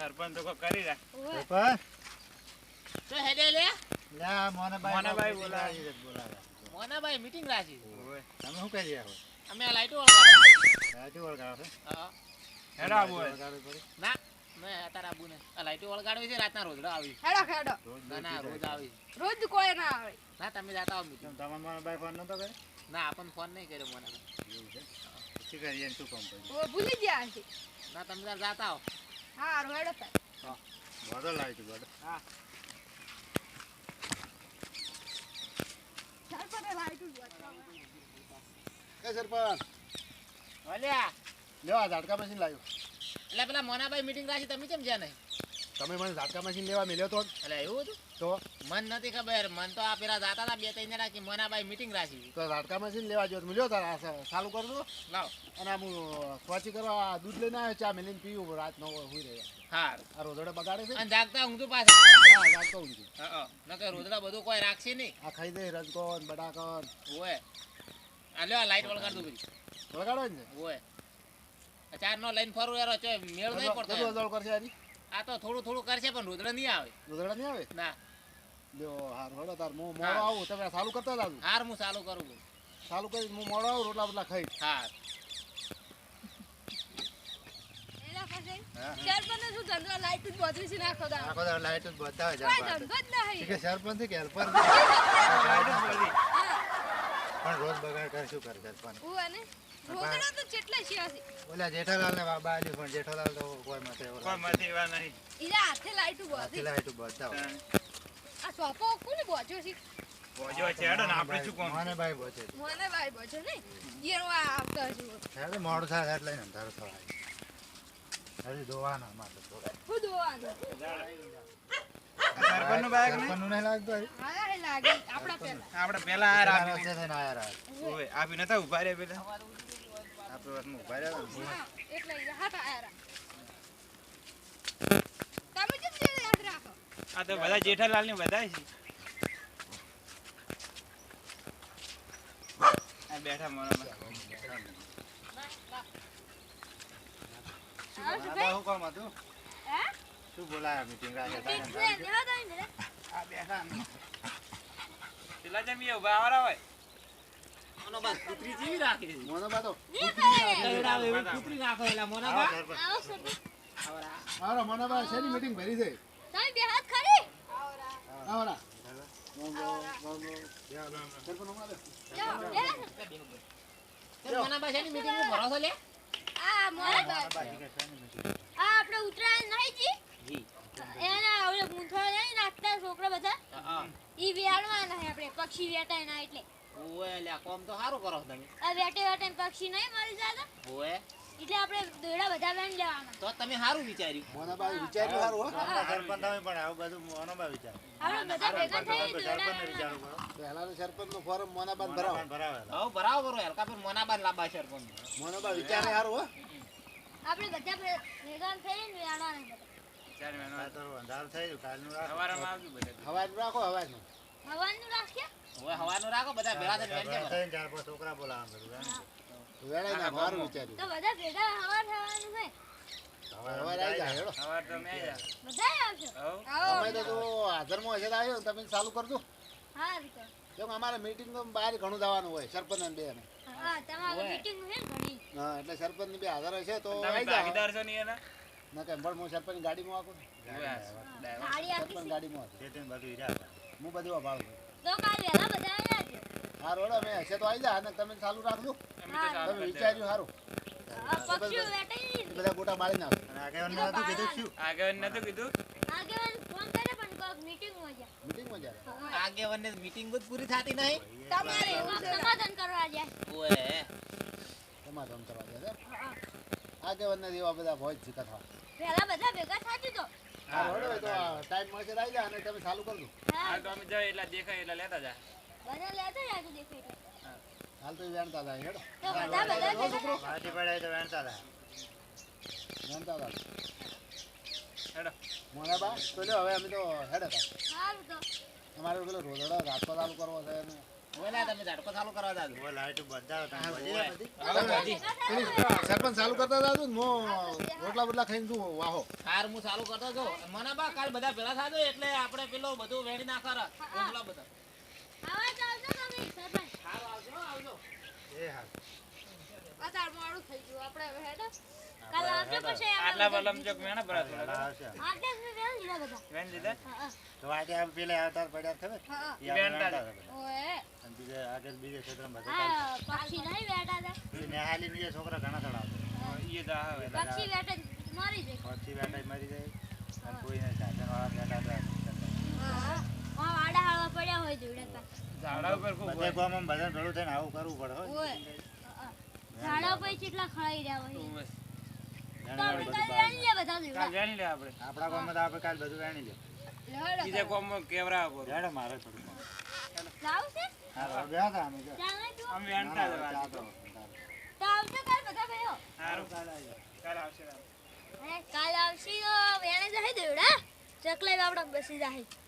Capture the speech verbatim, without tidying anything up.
સરપંચ તો કરી રાખ સરપંચ તો હેડે લે લા મોનાભાઈ મોનાભાઈ બોલાવે બોલાવે મોનાભાઈ મીટિંગ રાખી ઓય તમે શું કરી રહ્યા છો અમે આ લાઈટો વળગાડો રાજી વળગાડો છો હા હેડો આબુ હોય વળગાડવી પડે ના મેં અત્યારે આબુ ને આ લાઈટો વળગાડવી છે રાતના રોજડા આવી હેડો હેડો ના ના રોજ આવી રોજ કોઈ ના આવે ના તમે જાતા આવો મીટિંગ કેમ તમારા મોનાભાઈ ફોન નતો કર્યો ના આપણને ફોન નહીં કર્યો મોનાભાઈ એવું છે શું કરીએ ને શું કામ કરીએ ઓ ભૂલી ગયા છે ના તમે તાર જાતા આવો હારું હેડો સાહેબ બોર્ડર લાવી તું બોર્ડર હા સરપંચે લાઈટું જ બતાવે. એ સરપંચ ઓલ્યા લેવા ઝાટકા મશીન લાવ્યો એટલે પેલા મોનાભાઈ મીટિંગ રાખી તમે કેમ જ્યાં નહીં તમે મને ઝાટકા મશીન લેવા મળ્યો તો એટલે એવું હતું તો મન નથી ખબર મન તો આ પેલા જાતા હતા બે ત્રણ જણા કે મોનાભાઈ મીટિંગ રાખી તો ઝાટકા મશીન લેવા જો મળ્યો તાર આ ચાલુ કર દો લાવ અને આમ સ્વાચી કરવા દૂધ લઈને આવ્યો ચા મેલીને પીવું રાત નવ હુઈ રહ્યા હા આ રોદડે બગાડે છે અને જાગતા ઊંઘતું પાછા હા જાગતો ઊંઘી હા નકર રોજડા બધું કોઈ રાખશે નહીં આ ખાઈ દે રજકોન બટાકન ઓય આ લ્યો આ લાઈટ વળગાડ દઉં બધી વગાડો ને ઓય આ ચાર નો લાઈન ફરવું યાર ચો મેળ નહીં પડતો કેટલું યાર. અદળ કરશે આરી આ તો થોડું થોડું કરશે પણ રોજડા નહીં આવે રોદડા નહીં આવે ના લ્યો હાર હળો તાર હું મોડો આવું તમે ચાલુ કરતા દાદુ હાર હું ચાલુ કરું છું. ચાલુ કરી હું મોડો આવું રોટલા બટલા ખાઈ હા એના પાસે હા. સરપંચે શું ધંધો લાઈટું જ બધું છે નાખો દા આખો દાડો લાઈટ જ બધા હોય કોઈ જાણ ધંધો જ નહીં કે સરપંચ છે કે હેલ્પર હા પણ રોજ બગાડ કરે શું કરે સરપંચ હું અને રોકડા તો કેટલા છે હશે ઓલા જેઠાલાલ ને બાબા આલ્યું પણ જેઠાલાલ તો કોઈ માટે કોઈ માંથી એવા નહીં ઈરા હાથે લાઈટું બધી લાઈટ બધા હોય આ સોપો કોને બોજો છે બોજો છે હેડો ને આપણે શું કોમ મને ભાઈ બોચે મને ભાઈ બોજો ને ઈરો આ આવતા છે હેડે મોડું થાય એટલે ને અંધારો થવાય હજી ધોવાના માટે થોડા હું દોવાનું સરપંચ નું બાઈક નહીં સરપંચનું નહીં લાગતું હજી? હા હે લાગે આપડા પેલા આપણે પેલા આ પેલા રાખ્યું રસ્તે થઈને આયા રાત. ઓય આપી નતા ઉભા રે પેલા આપણે વાતમાં ઊભા રહ્યા હતા ને. હા એટલે ઈ હાથ આયા તમે કેમ જે યાદ રાખો આ તો બધા જેઠાલાલ ને બધા છે આ બેઠા મોરામાં આવ આ શું બા હું કામ હતું? હે શું બોલાયા meeting રાખે ઠીક તારે? છે નેવા દઈ ને આ બેઠા ને. પેલા જેમ એ ઉભા આવરા હોય આનો બસ કૂતરી જેવી રાખી છે મોનો બા તો ની થાય કઈડા એવી કૂતરી રાખો એલા આવો મોનાભા સરપંચ. આવો સરપંચ આવરા હારો મોનો બા શેની meeting ભરી છે? તમે બે હાથ ખરી આવરા આવરા. મોંગો, મોંગો. સરપંચ ઉભા રહો. જાઓ લે મોનાભા છે ની મીટિંગ માં ભરોસો લે આ મોરે મોનો બા ઠીક છે, શેની meeting? આ આપણે ઉતરાયણ નહીં જી જી એના ઓલે મૂંઠો નહીં નાખતા છોકરા બધા હા ઈ વેળવાના છે આપણે પક્ષી વેટાય ના એટલે ઓય લે કોમ તો સારું કરો છો તમે આ વેટે વેટે પક્ષી નહીં મરી જાતા ઓય એટલે આપણે દોડા બધા વેણ લેવાના તો તમે સારું વિચાર્યું મોનો બા વિચાર્યું હારું હો. સરપંચ તમે પણ આવું બધું મોનો બા વિચાર. આપણે બધા ભેગા થઈ દોડા સરપંચને વેણવાના. વિચારવું પડે. પહેલાનું સરપંચનું ફોરમ મોનો બા ને ભરાવો. હવ બરાબર હલકા પર મોનાબા લાંબા શેર કોણ મોનો બા વિચારે હારું હો. આપણે બધા ભે- ભેગા થઈને વેણવાના બધા ચાર મહિના આ તો અંધારું થઈ ગયું, કાલનું રાખો. સવારમાં આવજો બધા હવાનું રાખો, હવાનું. હવાનું રાખ્યા ઓય હવાનું રાખો બધા ભેળા થઈને વેણ ભેગા છે થઈને ચાર પાંચ છોકરા બોલાવવા બધું, એમ. વેળાઈ નાખો, હારું વિચાર્યું. તો બધા ભેગા હવા થવાનું છે હવે હવે આવી જાય, હેડો. સવાર તો મેં આવ્યા બધા આવશો હવ આવો અમે તો જો હાજરમાં હશે તો આવ્યો ને તમે ચાલુ કરજો. હા વિકર કેમ કે અમારે meeting તો બહાર ઘણું જવાનું હોય, સરપંચ અને બે ને. હા તમારે ઓય. મીટિંગ છે ને ઘણી હા, એટલે સરપંચ ની બે હાજર હશે તો તમે આવી જાઓ. ભાગીદાર છો નહીં એના ના કે પણ હું સરપંચ ગાડીમાં આવું ને. ગાડી આપી સરપંચ છે. ગાડીમાં આવું. હું બધું અભાળું છું. તો કાલ વહેલા બધા આવ્યા છે હા રોડ અમે હશે તો આવી જા અને તમે ચાલુ રાખજો. અમે તો ચાલુ તમે કરી વિચાર્યું સારું. આ પક્ષીઓ વેટાઈ એ બધા ગોટા મારી નાખો. આગેવાન નતું કીધું શું? આગળ નતું કીધું આગેવાન ફોન કરે પણ કોક મીટિંગમાં જાય મીટિંગમાં જાય. આગેવાનને મીટિંગ જ પૂરી થતી નહીં તમારે કોક સમાધાન કરવા જાય ઓય સમાધાન કરવા જાય છે. આગેવાનના જેવા બધા ભોજ શીખા થવા. પહેલા બધા ભેગા થાતી તો હા રોડ હોય તો ટાઈમ મળશે તો આવી જા અને તમે ચાલુ કરજો. હા આ તો અમે જાય એટલા દેખાય એટલા લેતા જા બધા લેતા જાજો દેખાય હાલ તો ઈ વેણતા હતા હેડો. તો બધા બધા જો છોકરો. ભેગા પાર્ટી પડાય તો વેણતા હતા. વેણતા હતા. હેડો મોના બા તો લ્યો હવે અમે તો હેડો હતા. સારું તો અમારે પેલો રોદડો રાસ્તો ચાલુ કરવો છે અને ઓલા તમે ઝાટકો ચાલુ કરવા દાદુ ઓ લાઈટ બંધાવો તમે હા, બધી ઓય. બધી. હવે બધી પેલી સરપંચ ચાલુ કરતા હતા તું મો રોટલા બોટલા ખાઈને તું વાહો હાર હું ચાલુ કરતો હતો મને બા કાલ બધા ભેળા થાજો એટલે આપણે પેલો બધું વેડી ના કર ઓલા બધા આવા ચાલજો તમે સરપંચ હારું આવજો હો, આવજો એ હા આ તાર મોડું થઈ ગયું આપણે હવે હેડો કાલ આવજો પછી આટલા બલમ ચોક મેણા ભરા થોડા આવશે આટલે જ મેં વેણ લીધા બધા વેન લીધા હા હા તો આજે આમ પેલે આવતાર પડ્યા ખબર હા ઈ આપણે વેણતા વેણતા હતા. ઓએ અને બીજે આગળ બીજે ક્ષેત્રમાં બધા આ પક્ષી નહીં બેઠા હતા ચાલશે. એ નેહાલી ની એ છોકરા ઘણા ચડાવતા ઈ જા હવે પક્ષી બેઠા મરી જાય પછી બેઠા મરી જાય અને કોઈને સાધન વાળા બેઠા હતા હા હા આ વાડા હાળવા પડ્યા હોય જોડે પાછા ઝાડા ઉપર ખૂબ બધે ગામમાં બધાને ભેળું થઈને આવું કરવું પડે હો. ઓએ ઝાડા પર કેટલા ખળાઈ રહ્યા હોય બસ. તો આપણે કાલ વેણ લે બધા કાલ જોડા વેણી લે આપણે આપણા ગામમાં તો આપણે કાલ બધું વેણી લે બીજા કોમ કેવરા પર હેડો મારે થોડું લાવ છે હા હવે બેહા તા અમે જો. ચાલ નહીં તું આમ વેણતા ના, ના, જવા ચા તો. તો આવશે કાલ બધા ભાઈઓ સારું કાલ આવી કાલ આવશે અરે કાલ આવશે તો વેણે જાય જોડા ચકલે આપણે બેસી જાય